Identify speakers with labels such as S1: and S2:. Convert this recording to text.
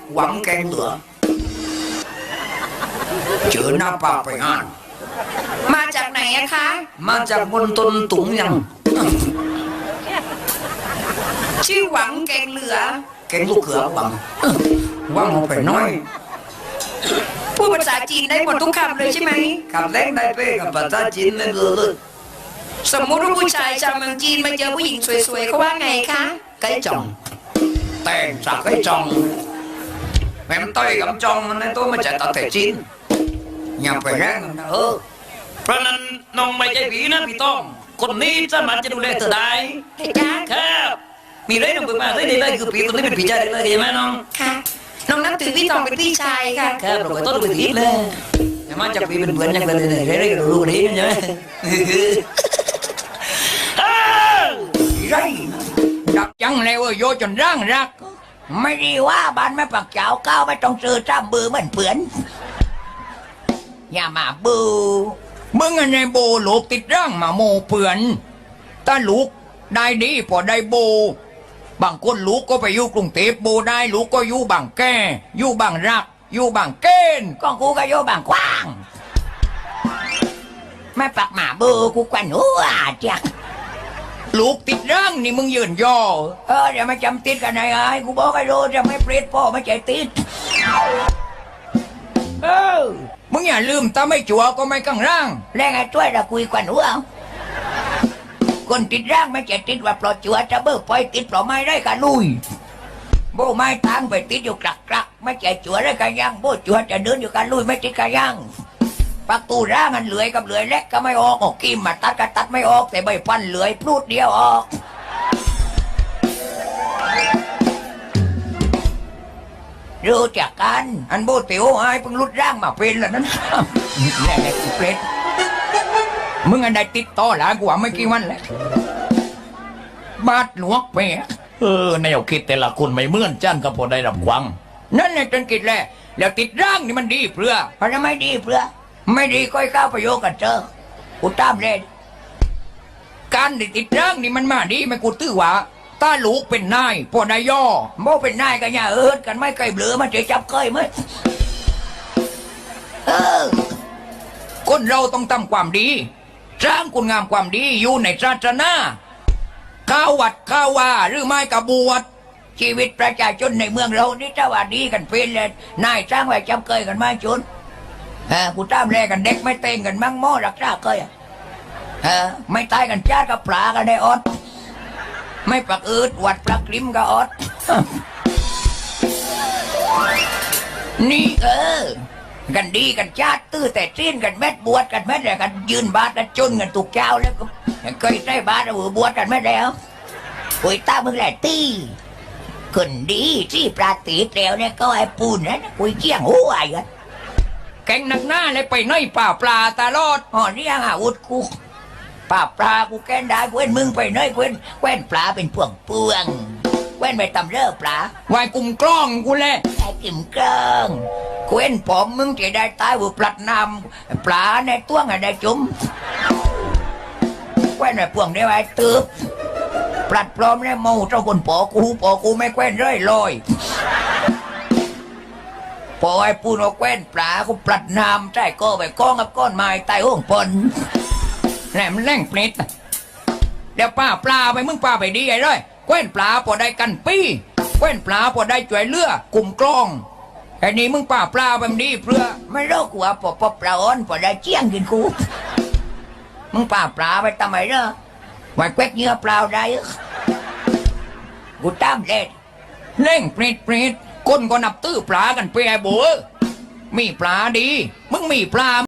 S1: หวังแกงเหลือเจอหน้าป่าไปงาน
S2: มาจากไหนอะคะ
S1: มาจากบนต้นตุงยัง
S2: ชื่อหวังแกงเหลือ
S1: แกงลูกเขือบังว่างเอาไปน้อย
S2: พูดภาษาจีนได้หมดทุกคำเลยใช่ไหม
S1: กับแรงได้เป้กับภาษาจีนไม่เบลอ
S2: สมมุติว่าผู้ชายชาวเมืองจีนมาเจอผู้หญิงสวยๆเขาว่าไงคะ
S1: ไก่จ่องแต่งจากไก่จ่องแม่มต้อยกับจ่องในตัวมาจากตะเตจีนอย่าไปแรงนะ
S3: เพราะนั้นน้องไม่ใช่ผีนะพี่ต้องคนนี้สามารถจะดูแลเธอได้
S2: เห็นจ้า
S3: ครับมีเรื่องหนึ่งมาได้เลยคือผีตัวนี้เป็นผีใจได้เลยใช่ไหมน้อง
S2: ค่ะ น้องนับถือพี่ทองเป็นพี่ชายค่ะ
S3: ครับเราก็ต้องดูผีเลยแต่มาจากผีเป็นเหมือนอย่างเลยเรื่องรู้นี้ใช่ไหม
S1: ไรดักยังเลยโยจนร่างรัก
S4: ไม่ดีว่าบ้านแม่ปักเจ้าก้าวไม่ต้องซื้อจ้ำบือเหมือนเปือนอย่ามาบู
S1: มึงอันในโบลูกติดร่างมาโมเปื่อนถ้าลูกได้ดีพอได้โบบางคนลูกก็ไปอยู่กรุงเทพโบได้ลูกก็อยู่บางแก่อยู่บางรักอยู่บางเกณฑ์
S4: ก็กูก็โยบางกว้างแม่ปักหมาบูกูกวนหัวจ้ะ
S1: ลูกติดร่างนี่มึงยืนย่อ
S4: เดี๋ยวมาจำติดกันไอ้กูบอกไอ้โรจะไม่เปรตพ่อไม่ใจติด
S1: มึงอย่าลืมถ้าไม่จัวก็ไม่กังร่าง
S4: แรงไอ้ช่วยเราคุยกวนหัวคนติดร่างไม่ใจติดว่าปลอดจัวจะเบิกปล่อยติดปลอไม่ได้กันลุยโบไม่ทางไปติดอยู่กลักไม่ใจจัวได้กันยังโบจัวจะเดินอยู่กันลุยไม่ติดกันยังประตูร่างมันเหลือยกับเหลือยเล็กก็ไม่ออกกิมมาตัดก็ตัดไม่ออกแต่ใบฟันเหลือยพลูดเดียวออกรู้จักกันอันโบเตียวไอ้เพิ่งรุดร่างมาเป็นแล้วนั้นแน่ๆกูเปรต
S1: มึงอันใดติดต่อหลานกูว่าไม่กี่วันแล้วบาดหลวงเปีย
S3: แนวคิดแต่ละคนไม่เหมือนจันก็พอได้รับฟัง
S1: นั่นแหละจนกิดแหละแล้วติดร่างนี่มันดีเพื่อ
S4: เพราะจะไม่ดีเพื่อไม่ดีก็ให้เข้าประโยชน์กันเจอกูตามเลย
S1: การได้ติดร่างนี่มันมาดีไม่กูตื้อว่าถ้าลูกเป็นนายพอนายย่อ
S4: โมเป็นนายกันเนี่ยกันไม่เคยเบลือมันจะจับเคยไหมเออ
S1: คนเราต้องทำความดีสร้างคุณงามความดีอยู่ในศาสนาข้าววัดข้าวว่าหรือไม่กบวช
S4: ชีวิตประชาชนในเมืองเรานี่ถ้าว่าดีกันเป็นเลยนายสร้างไว้จับเคยกันไหมจุนกูตามแลกันเด็กไม่เต้งกันมั่งหม้อรักษาเคยไม่ตายกันจ้ากับปลากันได้อดไม่ปักอืดวัดปลักกลิ้มก็อดนี่กันดีกันชาติตื้อแต่สิ้นกันแม่บวชกันแม่แต่กันยืนบาทกันจนกันถูกเจ้าแล้วก็เคยใช้บาทเอาบวชกันแม่แล้วปุยตามึงแหละตีคนดีที่ปราตีเตวเนี่ยก็ไอ้ปูนนะปุยเจียงหัวไอ้กัน
S1: แกงหนักหน้าเลยไปน้อยป่าปลาตลอด
S4: นี่ยังอาวุธกูป่าปลากูแกนได้เว้นมึงไปเนยเว้นแกวนปลาเป็นพวงเปลืองแกวนไปตำเลิกปลาว
S1: ายกลุ่มกล้องกูแหละ
S4: ไอ้กิ่มเกลิงเว้นผมมึงจะได้ตายบุปลัดนำปลาในตัวงได้จุ่มแกวนไปพวงได้ไว้ตืบปลัดปลอมได้เมาเจ้าคนปอกูไม่แกวนเลยลอยพอไอ้ปูนเอาแกวนปลากูปลัดนำใต้ก็ไปก้องกับก้อนไม้ใต้ห้องปน
S1: แหลมแรงเปรตเดี๋ยวป้าปลาไปมึงป้าไปดีไอ้ร้อยแกว้นปลาพอได้กันปี้แกว้นปลาพอได้จ่วยเลือกลุ่มกล้องไอ้นี่มึงป้าปลาไปมันดีเพื่อ
S4: ไม่รู้กูว่าปอปลาอ้อนพอได้เจียงกินกูมึงป่าปลาไปทำไมเนาะไว้แควกเนื้อเปล่าได้กูตามเล่น
S1: เล่งเปรตคนก็นับตื้อปลากันไปไอ้โบมีปลาดีมึงมีปลา